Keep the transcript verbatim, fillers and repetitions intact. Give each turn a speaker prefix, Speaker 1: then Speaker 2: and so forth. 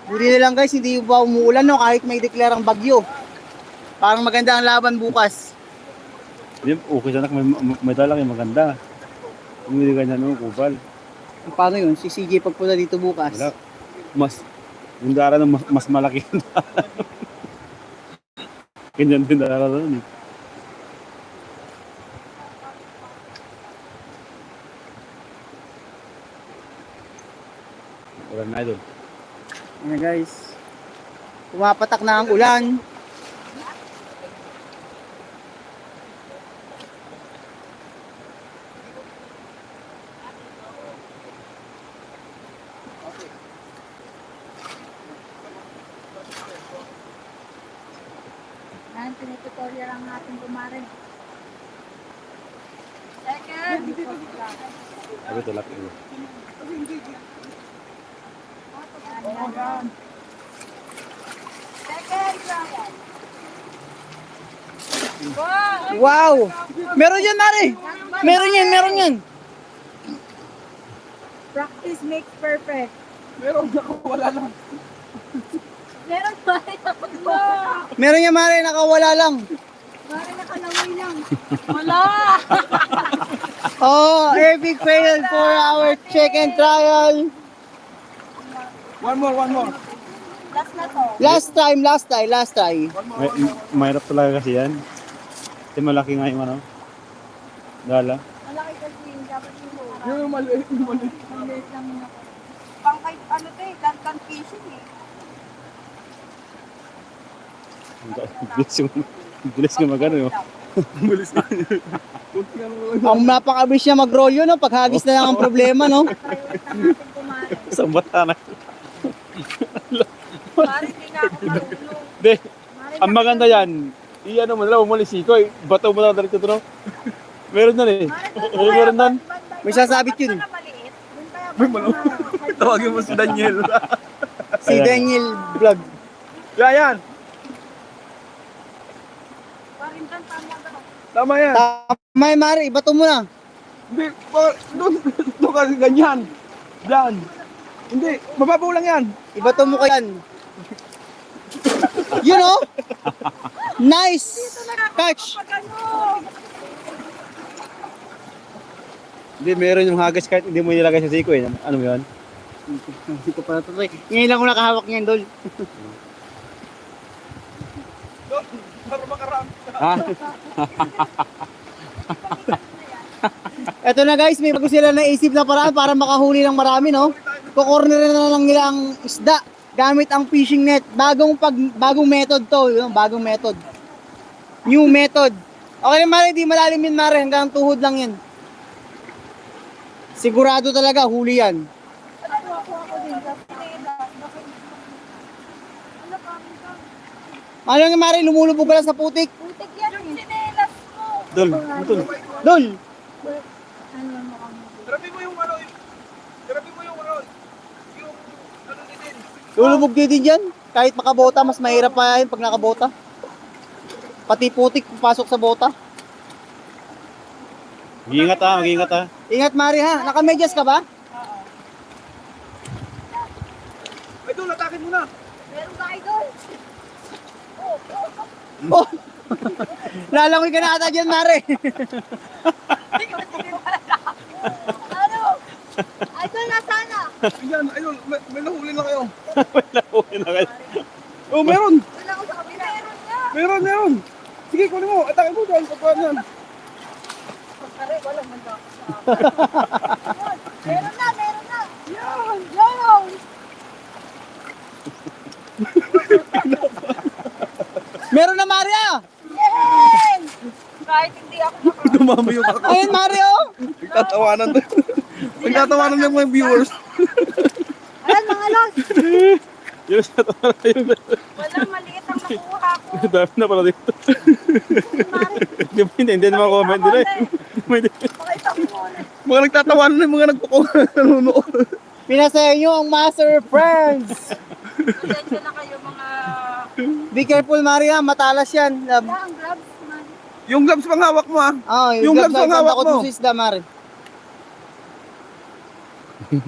Speaker 1: Buti na lang guys, hindi ba umuulan no, kahit may deklarang bagyo. Parang maganda ang laban bukas.
Speaker 2: Hindi, okay sana kung may, may dala kayo maganda. Kung hindi ganyan no, kupal.
Speaker 1: Paano yun? Si C J pagpunta dito bukas.
Speaker 2: Wala. Mas, yung dara na mas, mas malaki yung dara. Ganyan din dara doon eh. Wala na idol.
Speaker 1: Ayan guys. Pumapatak na ang ulan.
Speaker 3: Yan, tinitutorial lang natin kumarin. Second!
Speaker 2: Sabi ito, laki ito.
Speaker 3: Yan, yan. Second round. Wow!
Speaker 1: Wow! Meron yan, Mare! Meron yan, meron yan!
Speaker 3: Practice makes perfect.
Speaker 4: Meron ako, wala lang.
Speaker 3: Meron ba? Wow!
Speaker 1: Meron yan, Mare, nakawala lang.
Speaker 3: Mari nakalaway lang. Wala!
Speaker 1: Oh, epic fail for our chicken trial.
Speaker 4: One more, one more.
Speaker 3: Last na to.
Speaker 1: Last time, last time, last time.
Speaker 2: May, mahirap talaga kasi yan. Kasi malaki nga yung ano. Dala.
Speaker 3: Malaki kasi yung dapat yung mura.
Speaker 4: Yung maliit, yung maliit.
Speaker 3: Maliit lang yun ako. Pang kahit ano to eh, dandan fishing eh.
Speaker 2: Ang bilis yung, ang bilis yung magano yun.
Speaker 4: Malis na. Kunti nga naman.
Speaker 1: Ang napakabilis niya mag-roll yun, no? Paghagis na lang ang problema, no?
Speaker 3: Priority lang natin kumarin.
Speaker 2: Sa bata na.
Speaker 3: Mari, hindi nga ako marunong.
Speaker 2: Hindi.
Speaker 3: Mari,
Speaker 2: Ang maganda yan. I-ano mo na lang, umalis ko eh. Bato mo na lang dito no? Meron na eh. Oo, meron na.
Speaker 1: May sasabit yun.
Speaker 4: May malo. Tawagin mo si Daniel.
Speaker 1: Si
Speaker 2: Ayan.
Speaker 1: Daniel Vlog.
Speaker 4: Yan, yan. Tama yan.
Speaker 1: Tama yan, Mare, ibato mo na.
Speaker 4: Hindi, pa- doon, doon kasi ganyan. Yan. Hindi, mababaw lang yan.
Speaker 1: Ibato mo ka yan. You know? Nice catch.
Speaker 2: Hindi, meron yung hagas kahit hindi mo nilagay sa siko eh. Ano mo yun?
Speaker 1: Hindi ko pa natuloy. Ngayon lang ko nakahawak niyan, Dol.
Speaker 4: Doon, para makarami.
Speaker 2: Ha?
Speaker 1: Eto na guys, may bago sila naisip na paraan para makahuli ng marami, no? Kukorner na lang nila ang isda gamit ang fishing net. Bagong pag bagong method to, yun, bagong method. New method. Okay na, Mare, di malalim yun, Mare, hanggang tuhod lang yan. Sigurado talaga huli yan. Ano nga, Mare, lumulubog ka lang sa putik.
Speaker 3: Putik yan. Yung sinelas mo.
Speaker 2: Dol, butol.
Speaker 1: Dol!
Speaker 3: Ano mo kami?
Speaker 4: Tirabi mo yung ano, yung- tirabi mo yung ano, yung ano din.
Speaker 1: Lulubog din din dyan. Kahit makabota, mas mahirap pa yan pag nakabota. Pati putik papasok sa bota.
Speaker 2: Mag-iingat ha, mag-iingat ha.
Speaker 1: Ingat, Mari, ha? Nakamedyas ka ba?
Speaker 4: Ay, doon, atakin mo na.
Speaker 3: Meron ba idol?
Speaker 1: Oh! Lalangoy ka na ata dyan, Mari.
Speaker 3: Ano? Idol, nasana?
Speaker 4: Ayan, ayun, may, may nahuli na kayo.
Speaker 2: Wala po na kayo.
Speaker 4: Oh, meron.
Speaker 3: Wala ko sa kabila. Meron nga.
Speaker 4: Meron, meron. Sige, kunin mo. Atakin mo doon. Pagkaan yan.
Speaker 3: Pare, wala man daw. Meron na, meron na. Yan. Yan.
Speaker 1: Meron na, Mari, ah!
Speaker 3: Yay! Kahit hindi ako maka-
Speaker 4: Dumami yung ako.
Speaker 1: Ayun, Mari, oh!
Speaker 4: Nagtatawanan doon. Nagtatawanan yung mga viewers.
Speaker 3: Ayan, mga los.
Speaker 2: Yun sa tawa na yun.
Speaker 3: Wala, maliit ang nakuha ko.
Speaker 2: Dami na pala dito.
Speaker 3: Mari,
Speaker 2: Hindi mo hindi, hindi naman comment nila eh. Hindi.
Speaker 3: pakita mo muna.
Speaker 4: Mga nagtatawanan yung mga nagpukununuot.
Speaker 1: Pinasaya nyo ang Master Friends!
Speaker 3: Pasensya na kayo mga...
Speaker 1: Be careful, Mari, ha? Matalas yan. Um,
Speaker 3: Wala, ang gloves, Mari.
Speaker 4: Yung gloves pang hawak mo ah.
Speaker 1: oh,
Speaker 4: Yung gloves ang hawak
Speaker 1: takot
Speaker 4: mo.
Speaker 1: sa isda, Mari.